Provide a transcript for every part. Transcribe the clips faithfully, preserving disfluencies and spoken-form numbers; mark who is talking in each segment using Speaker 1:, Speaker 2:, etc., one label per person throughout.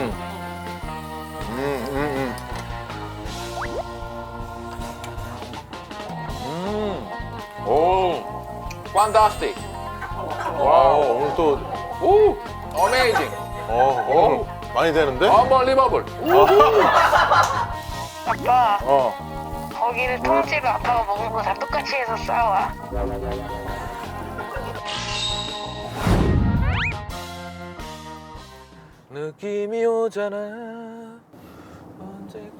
Speaker 1: 음, 음,
Speaker 2: 음. 오. 판타스틱.
Speaker 1: 음. 와, 오늘 또,
Speaker 2: 오. 어메이징.
Speaker 1: 어, 오늘 많이 되는데?
Speaker 2: 언벌리버블.
Speaker 3: 아빠,
Speaker 1: 어.
Speaker 3: 거기는 통째로 아빠가 먹은 거 다 똑같이 해서 싸와.
Speaker 2: 느낌이 오잖아. 언제까지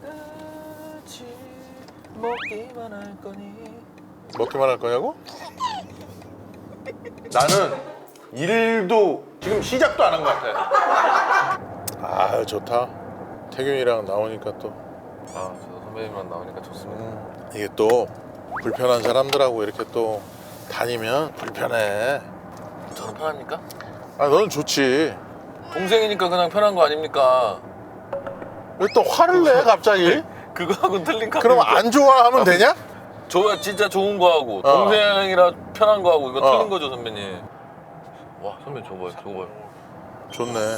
Speaker 2: 먹기만 할 거니?
Speaker 1: 먹기만 할 거냐고? 나는 일도 지금 시작도 안 한 것 같아. 아, 좋다. 태균이랑 나오니까 또
Speaker 2: 아, 저 선배님만 나오니까 좋습니다.
Speaker 1: 음, 이게 또 불편한 사람들하고 이렇게 또 다니면 불편해.
Speaker 2: 저는 편합니까?
Speaker 1: 아, 너는 좋지.
Speaker 2: 동생이니까 그냥 편한 거 아닙니까?
Speaker 1: 왜 또 화를 내 갑자기?
Speaker 2: 그거하고는 틀린 거
Speaker 1: 그럼
Speaker 2: 아닙니까?
Speaker 1: 안 좋아하면 되냐?
Speaker 2: 좋아, 진짜 좋은 거 하고
Speaker 1: 어.
Speaker 2: 동생이라 편한 거 하고 이거
Speaker 1: 어.
Speaker 2: 틀린 거죠, 선배님. 와, 선배님 저거 봐요, 저거 봐요.
Speaker 1: 좋네.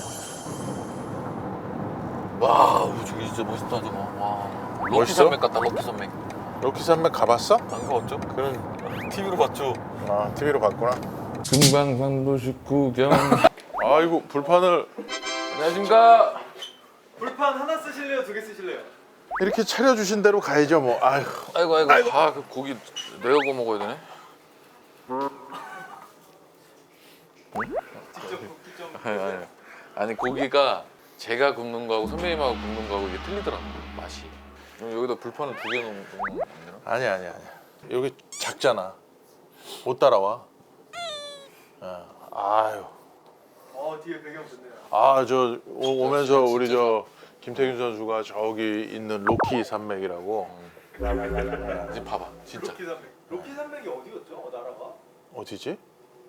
Speaker 2: 와, 저기 진짜 멋있다 저거. 와, 럭키
Speaker 1: 멋있어?
Speaker 2: 산맥 같다, 럭키 산맥.
Speaker 1: 로키 산맥 가봤어?
Speaker 2: 안 가봤죠?
Speaker 1: 그런
Speaker 2: 티비로 봤죠.
Speaker 1: 아 티비로 봤구나.
Speaker 2: 금방산도식 구경.
Speaker 1: 아이고 불판을
Speaker 2: 안녕하십니까?
Speaker 4: 불판 하나 쓰실래요? 두 개 쓰실래요?
Speaker 1: 이렇게 차려주신 대로 가야죠 뭐. 아이고.
Speaker 2: 아이고 아이고. 아, 그 고기 내가 구워 먹어야 되네.
Speaker 4: 직접 굽기 좀
Speaker 2: 아니, 아니. 아니 고기가 제가 굽는 거하고 선배님하고 굽는 거하고 이게 틀리더라고요, 맛이. 그럼 여기다 불판을 두 개 넣으면 안 되나?
Speaker 1: 아니야 아니야 아니야. 여기 작잖아. 못 따라와. 어. 아유.
Speaker 4: 어 뒤에 배경 좋네요.
Speaker 1: 아 저 오면서 우리 저 김태균 선수가 저기 있는 로키 산맥이라고.
Speaker 2: 이제 봐봐, 진짜.
Speaker 4: 로키 산맥. 로키 산맥이 어디였죠? 어, 나라가?
Speaker 1: 어디지?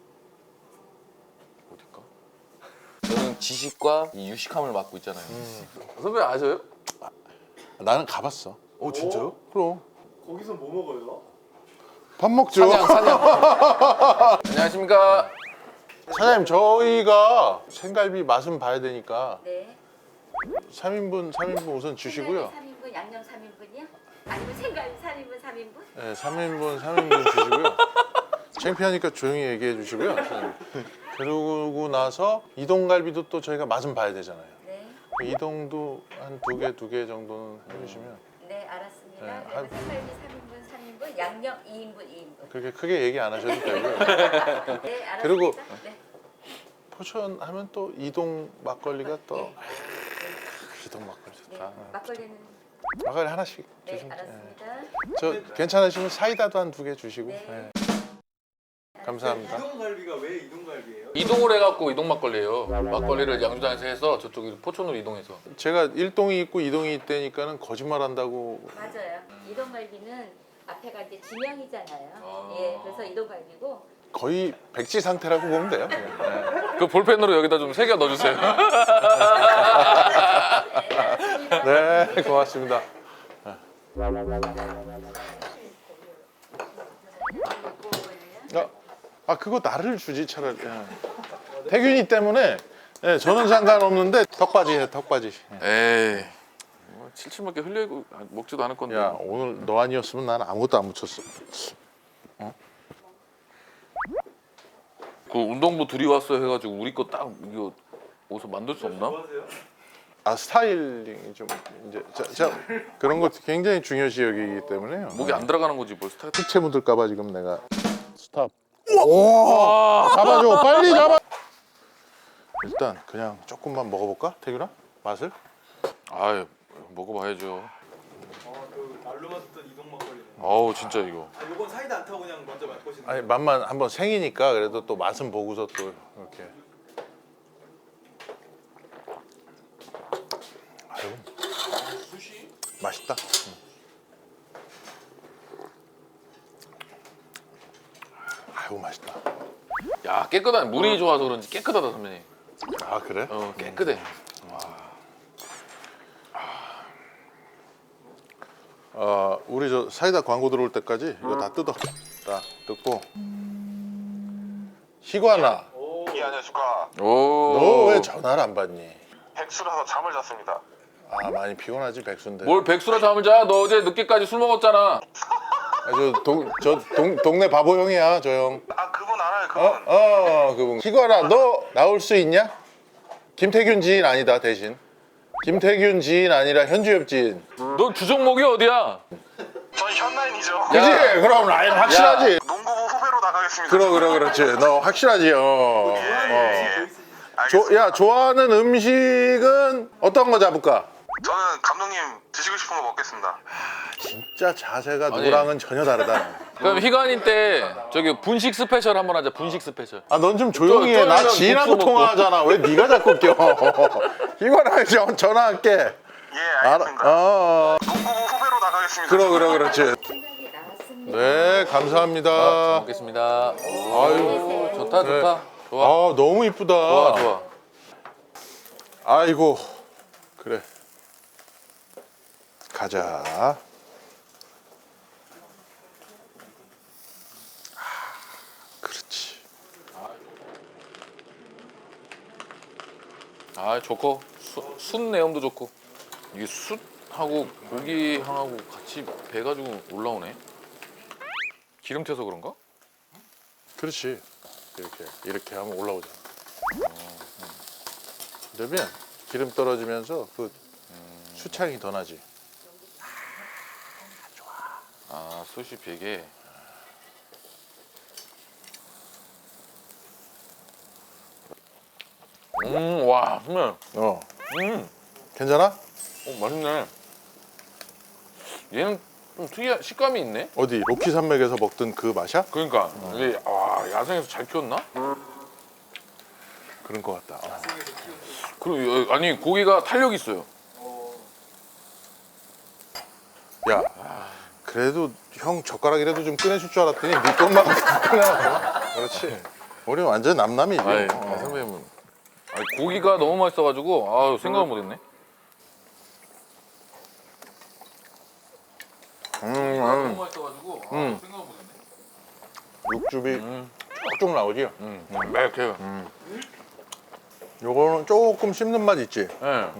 Speaker 2: 어딜까? 저는 지식과 이 유식함을 맡고 있잖아요. 선배 아셔요?
Speaker 1: 나는 가봤어.
Speaker 2: 오, 진짜요?
Speaker 1: 그럼
Speaker 4: 거기서 뭐 먹어요?
Speaker 1: 밥 먹죠.
Speaker 2: 사냥, 사냥. 안녕하십니까?
Speaker 1: 사장님 저희가 생갈비 맛은 봐야 되니까
Speaker 5: 네.
Speaker 1: 삼 인분 삼 인분 우선 주시고요.
Speaker 5: 삼 인분 양념 삼 인분이요? 아니면 생갈비 삼 인분 삼 인분?
Speaker 1: 네, 삼 인분 삼 인분 주시고요. 창피하니까 조용히 얘기해 주시고요. 그러고 나서 이동갈비도 또 저희가 맛은 봐야 되잖아요.
Speaker 5: 네.
Speaker 1: 이동도 한 두 개 두 개 정도는 해주시면
Speaker 5: 네, 알았습니다.
Speaker 1: 네,
Speaker 5: 그래서
Speaker 1: 한-
Speaker 5: 생갈비 삼 인분 삼 인분, 양념 이 인분 이 인분.
Speaker 1: 그렇게 크게 얘기 안 하셔도 되고요.
Speaker 5: 네, 알았습니다.
Speaker 1: 그리고-
Speaker 5: 네.
Speaker 1: 포천 하면 또 이동 막걸리가 또
Speaker 5: 네.
Speaker 1: 아, 이동 막걸리
Speaker 5: 네.
Speaker 1: 좋다.
Speaker 5: 막걸리는
Speaker 1: 막걸리 하나씩
Speaker 5: 네,
Speaker 1: 주시면
Speaker 5: 알았습니다.
Speaker 1: 저 괜찮으시면 사이다도 한 두 개 주시고.
Speaker 5: 네.
Speaker 1: 네. 감사합니다.
Speaker 4: 이동갈비가 왜 이동갈비예요?
Speaker 2: 이동을 해갖고 이동 막걸리예요. 막걸리를 양주장에서 해서 저쪽 포천으로 이동해서.
Speaker 1: 제가 일동이 있고 이동이 있다니까는 거짓말한다고.
Speaker 5: 맞아요. 이동갈비는 앞에가 이제 지명이잖아요.
Speaker 2: 아.
Speaker 5: 예, 그래서 이동갈비고.
Speaker 1: 거의 백지 상태라고 보면 돼요. 네.
Speaker 2: 그 볼펜으로 여기다 좀 새겨 넣어주세요.
Speaker 1: 네, 고맙습니다. 아, 아 그거 나를 주지 차라리. 예. 태균이 때문에 예, 저는 상관없는데 턱받이 해 턱받이.
Speaker 2: 에이, 뭐 칠칠밖에 흘리고 먹지도 않을 건데.
Speaker 1: 야 오늘 너 아니었으면 나는 아무것도 안 묻혔어.
Speaker 2: 그 운동부 둘이 왔어 해가지고 우리 거 딱 이거 어디서 만들 수 없나?
Speaker 4: 뭐 하세요?
Speaker 1: 아 스타일링이 좀 이제 자, 자, 그런 것도 굉장히 중요시 여기기 때문에요.
Speaker 2: 목이 안 들어가는 거지 뭘 스타일.
Speaker 1: 특채 묻을까봐 지금 내가 스탑. 오, 잡아줘 빨리 잡아. 일단 그냥 조금만 먹어볼까 태균아 맛을?
Speaker 2: 아유, 먹어봐야죠.
Speaker 4: 어그 말로만 듣던 이동 막걸리네.
Speaker 2: 아우 진짜 이거.
Speaker 4: 아 요건 사이다 안 타고 그냥 먼저 맛보시는
Speaker 1: 아니
Speaker 4: 거예요?
Speaker 1: 맛만 한번 생이니까 그래도 또 맛은 보고서 또 이렇게. 아유 맛있다. 응. 아유 맛있다.
Speaker 2: 야 깨끗한 물이 좋아서 그런지 깨끗하다 선배님.
Speaker 1: 아 그래?
Speaker 2: 어 깨끗해.
Speaker 1: 어 우리 저 사이다 광고 들어올 때까지 이거 다 뜯어. 다 뜯고. 희관아,
Speaker 4: 오
Speaker 6: 예, 안녕하십니까.
Speaker 2: 오.
Speaker 1: 너 왜 전화를 안 받니?
Speaker 6: 백수라서 잠을 잤습니다.
Speaker 1: 아 많이 피곤하지 백수인데.
Speaker 2: 뭘 백수라 잠을 자? 너 어제 늦게까지 술 먹었잖아.
Speaker 1: 아, 저 동, 저 동, 동네 바보 형이야 저 형.
Speaker 6: 아 그분 알아요 그분.
Speaker 1: 어? 어 그분. 희관아 너 나올 수 있냐? 김태균 지인 아니다 대신. 김태균 지인 아니라 현주엽 지인.
Speaker 2: 너 주종목이 어디야?
Speaker 6: 전 현나인이죠.
Speaker 1: 그지? 그럼 라인 확실하지.
Speaker 6: 농구부 후배로 나가겠습니다.
Speaker 1: 그럼 그럼 그렇지. 너 확실하지. 어. 어.
Speaker 6: 예.
Speaker 1: 조,
Speaker 6: 알겠습니다.
Speaker 1: 야 좋아하는 음식은 어떤 거 잡을까?
Speaker 6: 저는 감독님 드시고 싶은 거 먹겠습니다.
Speaker 1: 진짜 자세가 누구랑은 전혀 다르다.
Speaker 2: 그럼 희관이 때 저기 분식 스페셜 한번 하자. 분식 스페셜.
Speaker 1: 아 넌 좀 조용히 해. 나
Speaker 2: 쫄면
Speaker 1: 지인하고
Speaker 2: 국수 먹고.
Speaker 1: 통화하잖아. 왜 네가 자꾸 껴? 이거랑 전- 전화할게.
Speaker 6: 예 알겠습니다.
Speaker 1: 어, 어.
Speaker 6: 농구부 후배로 나가겠습니다.
Speaker 1: 그럼 그럼 그렇지.
Speaker 5: 생각이 나왔습니다.
Speaker 1: 네 감사합니다.
Speaker 2: 잘 먹겠습니다. 아유 좋다
Speaker 1: 네.
Speaker 2: 좋다. 좋아
Speaker 1: 아 너무 이쁘다.
Speaker 2: 좋아 좋아.
Speaker 1: 아이고 그래. 가자. 아, 그렇지.
Speaker 2: 아 좋고 수, 숯 내음도 좋고 이게 숯하고 고기 향하고 같이 배가지고 올라오네. 기름 튀어서 그런가?
Speaker 1: 그렇지. 이렇게 이렇게 하면 올라오잖아. 그러면 기름 떨어지면서 그 수창이 더 나지.
Speaker 2: 아 숯이 베개. 음와 정말
Speaker 1: 어.
Speaker 2: 음
Speaker 1: 괜찮아?
Speaker 2: 어, 맛있네. 얘는 좀 특이한 식감이 있네.
Speaker 1: 어디 로키 산맥에서 먹던 그 맛이야?
Speaker 2: 그러니까 이게 아 야생에서 잘 키웠나?
Speaker 1: 그런 것 같다. 어.
Speaker 2: 그리고 여- 아니 고기가 탄력 있어요.
Speaker 1: 야, 그래도 형 젓가락이라도 좀 꺼내줄 줄 알았더니 네 것만 꺼내. 그렇지. 우리 완전 남남이지.
Speaker 2: 아이,
Speaker 1: 어.
Speaker 2: 선배님은 아니, 고기가 너무 맛있어가지고 아 생각을 못했네.
Speaker 1: 음, 음.
Speaker 2: 맛있어가지고
Speaker 1: 음.
Speaker 2: 생각을 못했네.
Speaker 1: 육즙이
Speaker 2: 음,
Speaker 1: 쭉쭉 나오지.
Speaker 2: 음, 매력해요.
Speaker 1: 요거는 조금 씹는 맛 있지.
Speaker 2: 예.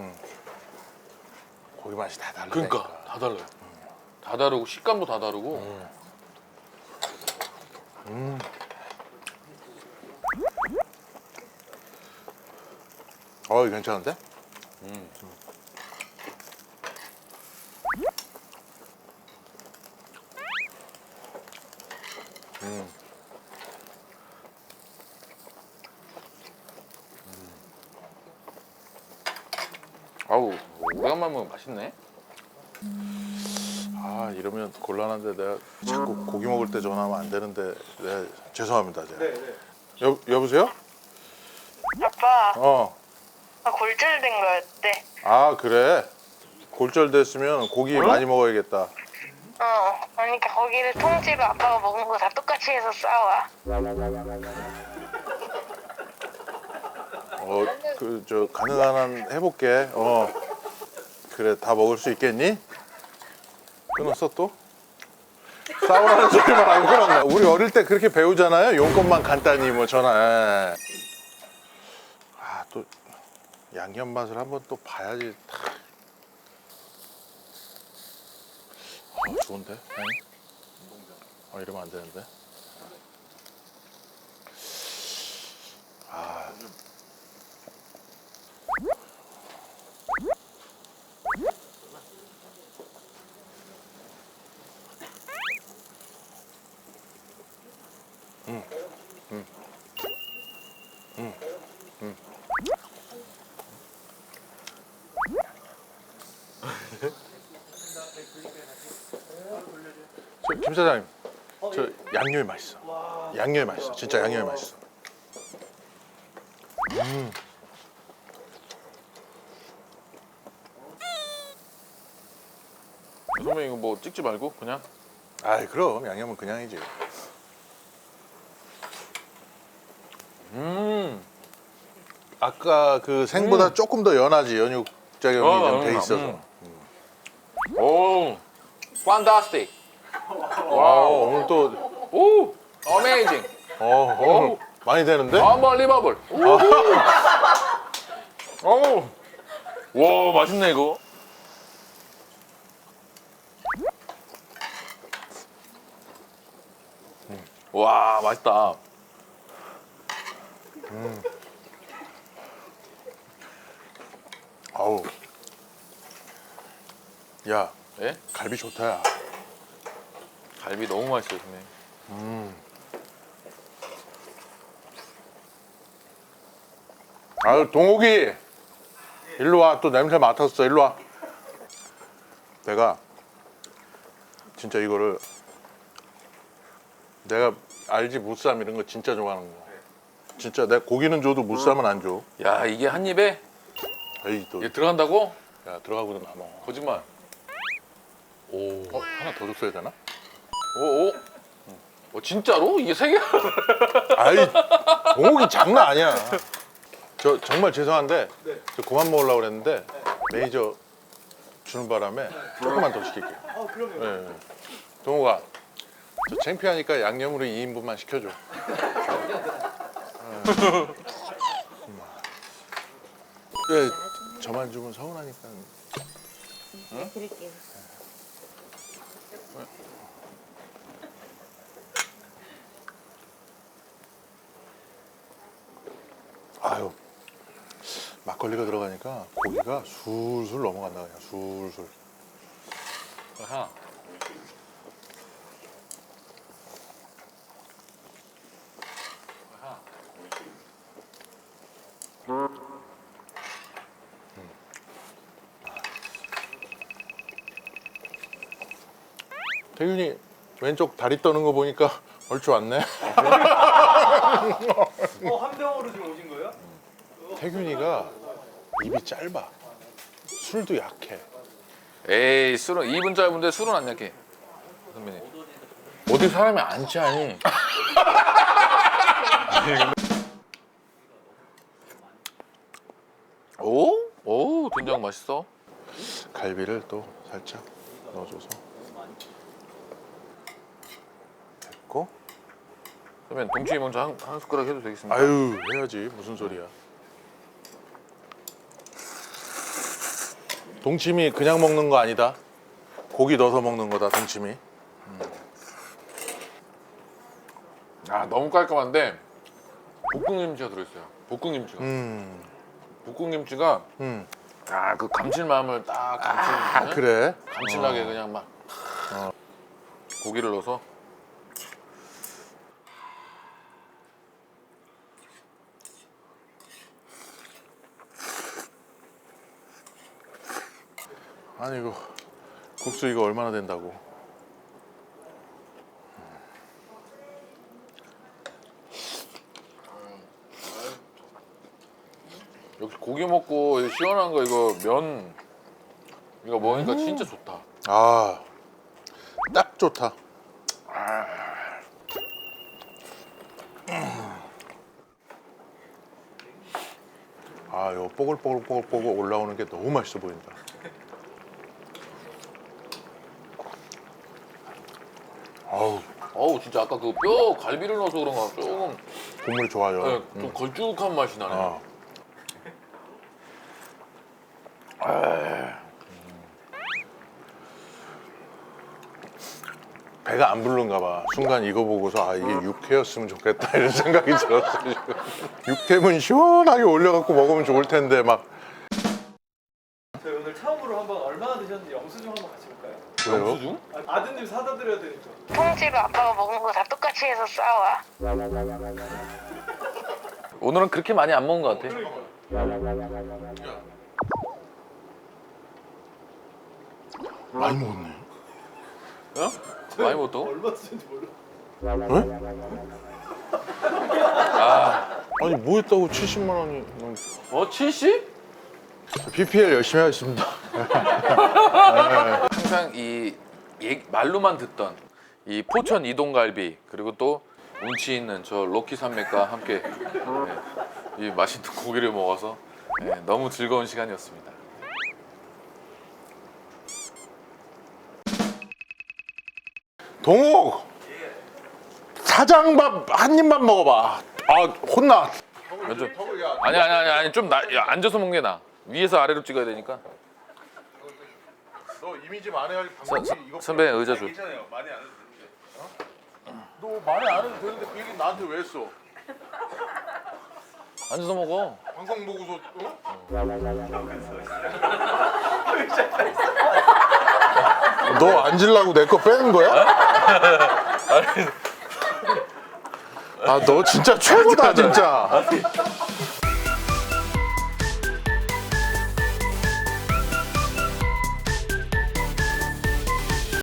Speaker 1: 고기 맛이 다 달라.
Speaker 2: 그러니까 다 달라요. 다 다르고 식감도 다 다르고.
Speaker 1: 어, 괜찮은데?
Speaker 2: 아우 오래간만에 먹으면 맛있네.
Speaker 1: 아, 이러면 곤란한데 내가 자꾸 고기 먹을 때 전화하면 안 되는데 내가 죄송합니다. 제가.
Speaker 4: 네네.
Speaker 1: 여 여보세요?
Speaker 3: 아빠,
Speaker 1: 어.
Speaker 3: 나 골절된 거였대.
Speaker 1: 아, 그래. 골절됐으면 고기 많이 먹어야겠다.
Speaker 3: 어, 그러니까 거기를 통째로 아빠가 먹은 거 다 똑같이 해서 싸와.
Speaker 1: 어, 그 저 가능한 한 해볼게. 어. 그래, 다 먹을 수 있겠니? 끊었어 또? 싸우라는 소리만 하고 끊었네. 우리 어릴 때 그렇게 배우잖아요. 용건만 간단히 뭐 전화. 예. 아, 또 양념 맛을 한번 또 봐야지. 어, 좋은데? 아니? 어, 이러면 안 되는데. 아. 저, 김 사장님, 저 양념이 맛있어. 양념이 맛있어. 진짜 양념이 맛있어. 음.
Speaker 2: 선배님 이거 뭐 찍지 말고 그냥.
Speaker 1: 아이 그럼 양념은 그냥이지.
Speaker 2: 음.
Speaker 1: 아까 그 생보다 조금 더 연하지. 연육 작용이
Speaker 2: 어,
Speaker 1: 좀 돼
Speaker 2: 음,
Speaker 1: 있어서.
Speaker 2: 음. 오. 판타스틱.
Speaker 1: 와 오늘 또
Speaker 2: 오. 어메이징.
Speaker 1: 어, 어, 많이 되는데?
Speaker 2: Unbelievable. 오. 와 맛있네 이거. 와 맛있다.
Speaker 1: 아우. 야,
Speaker 2: 예?
Speaker 1: 갈비 좋다. 야.
Speaker 2: 갈비 너무 맛있어요 선배님.
Speaker 1: 아유, 동욱이. 일로 와. 또 냄새 맡았어. 일로 와. 내가 진짜 이거를 내가 알지 무쌈 이런 거 진짜 좋아하는 거. 진짜 내가 고기는 줘도 무쌈은 안 줘.
Speaker 2: 야 이게 한 입에
Speaker 1: 에이 또.
Speaker 2: 이게 들어간다고?
Speaker 1: 야 들어가고도 남아.
Speaker 2: 거짓말. 오.
Speaker 1: 어, 하나 더 줬어야 되나?
Speaker 2: 오. 오. 어 진짜로? 이게 세 개?
Speaker 1: 아이 동욱이 장난 아니야. 저 정말 죄송한데
Speaker 4: 네.
Speaker 1: 저 그만 먹으려고 그랬는데 매니저 주는 바람에 조금만 더 시킬게요.
Speaker 4: 아 그럼요.
Speaker 1: 예, 예. 동욱아 저 창피하니까 양념으로 이 인분만 시켜줘. 예, 저만 주면 서운하니까.
Speaker 5: 네, 드릴게요.
Speaker 1: 아유 막걸리가 들어가니까 고기가 술술 넘어간다 그냥 술술.
Speaker 2: 아하. 아하.
Speaker 1: 태균이 왼쪽 다리 떠는 거 보니까 얼추 왔네.
Speaker 4: 어, 한 병으로 지금 오신 거예요?
Speaker 1: 태균이가 입이 짧아. 술도 약해.
Speaker 2: 에이 술은 입은 짧은데 술은 안 약해 선배님. 어디 사람이 안 취하니? 오? 오 된장 맛있어.
Speaker 1: 갈비를 또 살짝 넣어줘서 됐고.
Speaker 2: 선배님 동치미 먼저 한, 한 숟가락 해도 되겠습니까?
Speaker 1: 아유 해야지 무슨 소리야. 동치미 그냥 먹는 거 아니다. 고기 넣어서 먹는 거다 동치미.
Speaker 2: 아 너무 깔끔한데 볶음김치가 들어있어요. 볶음김치가.
Speaker 1: 음,
Speaker 2: 볶음김치가
Speaker 1: 음.
Speaker 2: 아 그 감칠마음을 딱 감칠,
Speaker 1: 아 그래?
Speaker 2: 감칠나게 그냥 막 고기를 넣어서.
Speaker 1: 아니 이거 국수 이거 얼마나 된다고?
Speaker 2: 역시 고기 먹고 이 시원한 거 이거 면 이거 먹으니까 진짜 좋다.
Speaker 1: 아, 딱 좋다. 아, 요 뽀글뽀글뽀글뽀글 올라오는 게 너무 맛있어 보인다. 아우,
Speaker 2: 어우 진짜 아까 그 뼈 갈비를 넣어서 그런가 조금
Speaker 1: 국물이 좋아요.
Speaker 2: 네, 좀 걸쭉한 맛이 나네요.
Speaker 1: 아. 배가 안 부른가 봐. 순간 이거 보고서 아 이게 육회였으면 좋겠다 이런 생각이 들었어. 지금. 육회면 시원하게 올려갖고 먹으면 좋을 텐데 막.
Speaker 4: 저희 오늘 처음으로 한번 얼마나 드셨는지 영수증 한번 같이 볼까요?
Speaker 1: 왜요?
Speaker 2: 영수증?
Speaker 4: 아, 아드님 사다 드려야 되니까.
Speaker 3: 통째로 아빠가 먹은 거 다 똑같이 해서 싸와.
Speaker 2: 오늘은 그렇게 많이 안 먹은 것 같아.
Speaker 1: 많이 먹었네.
Speaker 2: 어? 많이 먹었다고?
Speaker 4: 얼마 드셨는지 몰라.
Speaker 1: 왜?
Speaker 2: 아,
Speaker 1: 아니 뭐 했다고 칠십만 원이.
Speaker 2: 어 칠십?
Speaker 1: 피피엘 열심히 하겠습니다.
Speaker 2: 항상 이 얘- 말로만 듣던 이 포천 이동갈비 그리고 또 운치 있는 저 로키 산맥과 함께 네, 이 맛있는 고기를 먹어서 네, 너무 즐거운 시간이었습니다.
Speaker 1: 동욱 사장밥 한 입만 먹어봐. 아 혼나.
Speaker 2: 먼저 아니 아니 아니 아니 좀 나, 야, 앉아서 먹는 게 나. 위에서 아래로 찍어야 되니까.
Speaker 1: 너 이미지 만회할
Speaker 2: 선-
Speaker 1: 방법이 이거.
Speaker 2: 선배 의자 줘.
Speaker 1: 괜찮아요. 많이 안 해도 되는데. 어? 너 많이 안 해도 되는데 그 얘기 나한테 왜 했어?
Speaker 2: 앉아서 먹어.
Speaker 1: 방송 보고서 어? 너 앉으려고 내 거 빼는 거야? 아 너 진짜 최고다 진짜.